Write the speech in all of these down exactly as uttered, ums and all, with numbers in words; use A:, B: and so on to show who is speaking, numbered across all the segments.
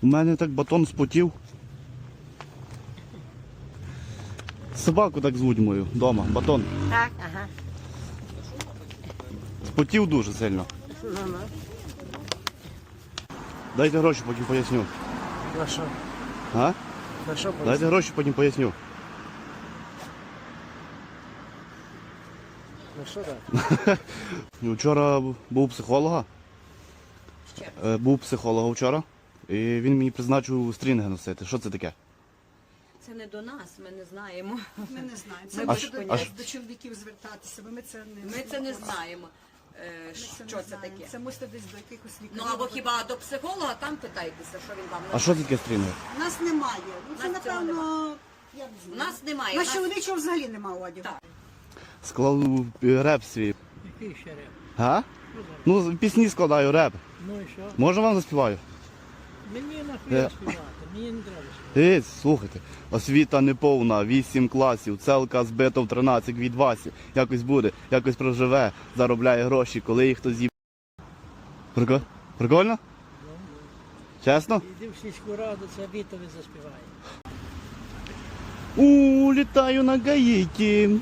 A: У мене так батон спотів. Собаку так звуть мою вдома, батон.
B: Так, ага.
A: Спотів дуже сильно.
B: Ну-ну.
A: Дайте гроші, потім поясню.
B: На що?
A: А?
B: На що
A: Дайте гроші, потім поясню.
B: На що так?
A: Вчора був у психолога. Е, Був у психолога вчора. І він мені призначив стрінги носити. Що це таке?
C: Це не до нас, ми не знаємо.
D: Ми не знаємо. Це
C: Ми
D: може
A: ж-
D: до,
A: а ж-
D: до чоловіків звертатися, бо ми це не
C: Ми це не знаємо, е,
D: Ми це
C: що
D: не
C: це
D: знаємо.
C: таке.
D: Це мусите десь до якихось лікарів.
C: Ну або хіба до психолога, там питайтеся, що він вам
A: А що таке стрінги?
D: У нас немає. Ну це
C: Нас цього
D: напевно. Я не
C: У
D: знаю.
C: нас немає.
D: У
C: У
D: нас
C: нас...
D: чоловічого взагалі немає одягу.
C: Так.
A: Склав е, реп свій.
B: Який ще реп?
A: А? Ну, пісні складаю, реп.
B: Ну і що?
A: Може вам заспіваю?
B: Мені
A: Е.
B: нахуя співати, мені не треба співати.
A: Ей, слухайте, освіта неповна, вісім класів, целка збита в тринадцять від Васі. Якось буде, якось проживе, заробляє гроші, коли їх хтось з'їб... Прикольно? Прикольно? Чесно?
B: Іди в сільську раду, це Вітові заспіває.
A: У, літаю на Гаїті.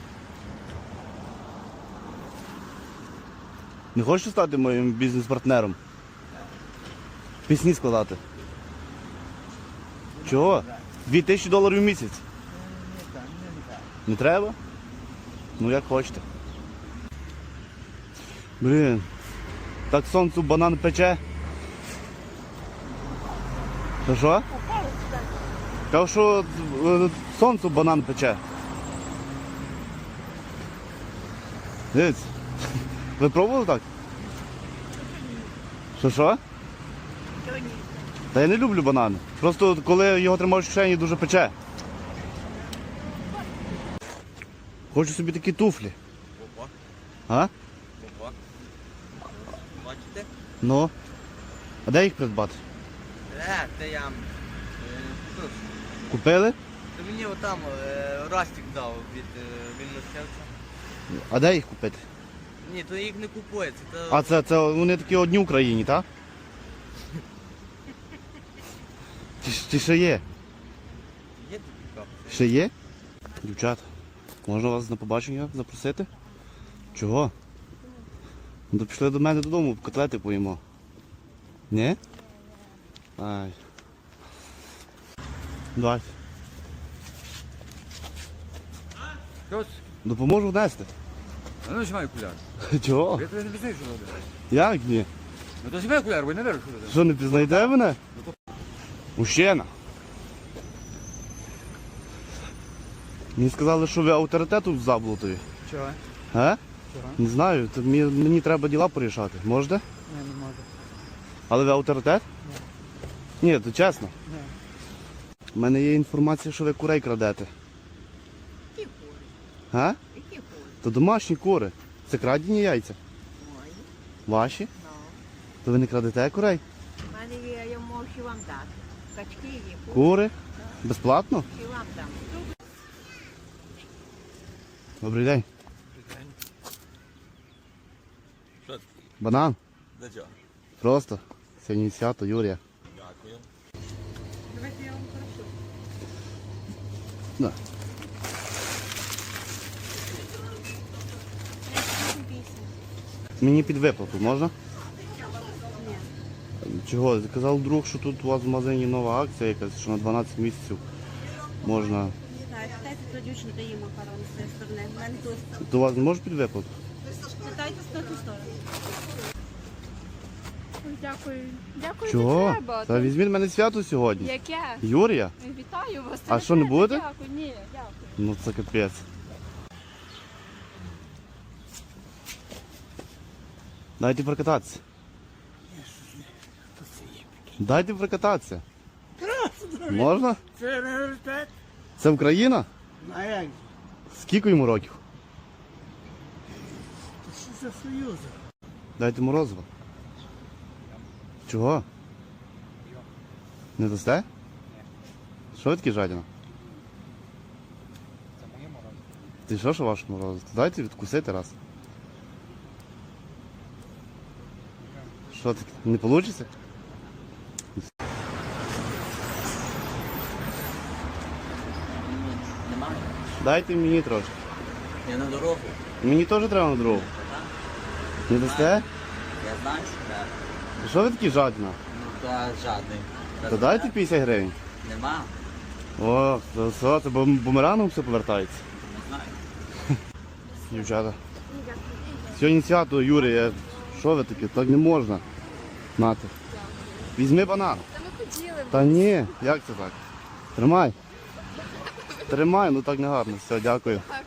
A: Не хочеш стати моїм бізнес-партнером? Пісні складати. Чого? Дві тисячі доларів в місяць. Не треба? Ну як хочете. Блін. Так сонцю банан пече. Що що? Кажу, що е, сонцю банан пече. Дивіться. Ви пробували так? Що що? Та я не люблю банани. Просто коли його тримаєш в кишені, дуже пече. Хочу собі такі туфлі.
E: Опа,
A: А?
E: опа. Бачите?
A: Ну. А де їх придбати?
E: Е, це я. Е, що ж,
A: Купили?
E: це мені отам е, Растик дав від е, Вільносерця.
A: А де їх купити?
E: Ні, то їх не купується. То...
A: А це, це вони такі одні в Україні, так? Чи, чи ще є?
E: Є такі капці?
A: Ще є? Дівчата, можна вас на побачення запросити? Чого? Ну то пішли до мене додому, котлети поїмо. Ні? Ай. Давайте.
F: Що?
A: Допоможу внести.
F: А ну знімай окуляр.
A: Чого?
F: Я тебе не пізнаю, що робиш.
A: Як ні?
F: Ну то знімай окуляр, бо я не вірю, що робиш.
A: Що, не пізнаєте мене? Мужчина. Мені сказали, що ви авторитет у Заблутові.
F: Чого?
A: А?
F: Чого?
A: Не знаю, то мені, мені треба діла порішати. Можете?
F: Ні, не можу.
A: Але ви авторитет? Ні. Ні, то чесно.
F: Ні.
A: У мене є інформація, що ви курей крадете.
C: Які кури?
A: А?
C: Які кури?
A: То домашні кури. Це крадені яйця.
C: Мої.
A: Ваші?
C: Ну.
A: То ви не крадете курей?
C: У мене є, я можу вам дати. Качки є, кури.
A: Кури? Безплатно?
C: І вам дам.
A: Добрий день.
E: Що це?
A: Банан?
E: Для чого?
A: Просто. Сьогодні свято, Юрія.
E: Дякую.
D: Давайте я вам прошу.
A: Да. Мені під виплату можна? Чого? Казав друг, що тут у вас в магазині нова акція якась, що на дванадцять місяців можна.
G: Питайте про дівчину, де є макарони з цієї сторони. У мене тут.
A: То у вас не може під виплату?
G: Питайте з тої сторони.
H: Дякую. Дякую,
A: Чого?
H: не треба.
A: Та візьміть мене свято сьогодні.
H: Яке?
A: Юрія?
H: Вітаю вас.
A: А що, не
H: треба,
A: будете?
H: Дякую, ні, дякую.
A: Ну це капець. Дайте прокататися. Дайте прокататися. Можна?
B: Це університет?
A: Це Україна?
B: А як?
A: Скільки йому років?
B: Це за Союзу.
A: Дайте морозиво. Чого? Не дасте? Ні. Що ви такі жадіна?
F: Це моє морозиво.
A: Ти що, що ваше морозиво? Дайте відкусити раз. Що таке? Не вийде? Дайте мені трошки.
E: Я на дорогу.
A: Мені теж треба на дорогу. Не дасте?
E: Я знаю, що треба.
A: Що ви такі жадні?
E: Ну, та жадний.
A: То дайте п'ятдесят гривень.
E: Нема.
A: О, це все, це бум- бумерангом все повертається.
E: Не знаю.
A: Дівчата. Сьогодні свято, Юрій, я... що ви такі? Так не можна. Нати. Візьми банан.
H: Та ми хотіли.
A: Та ні, як це так? Тримай. Тримай, ну так не гарно. Все, дякую.
H: Хай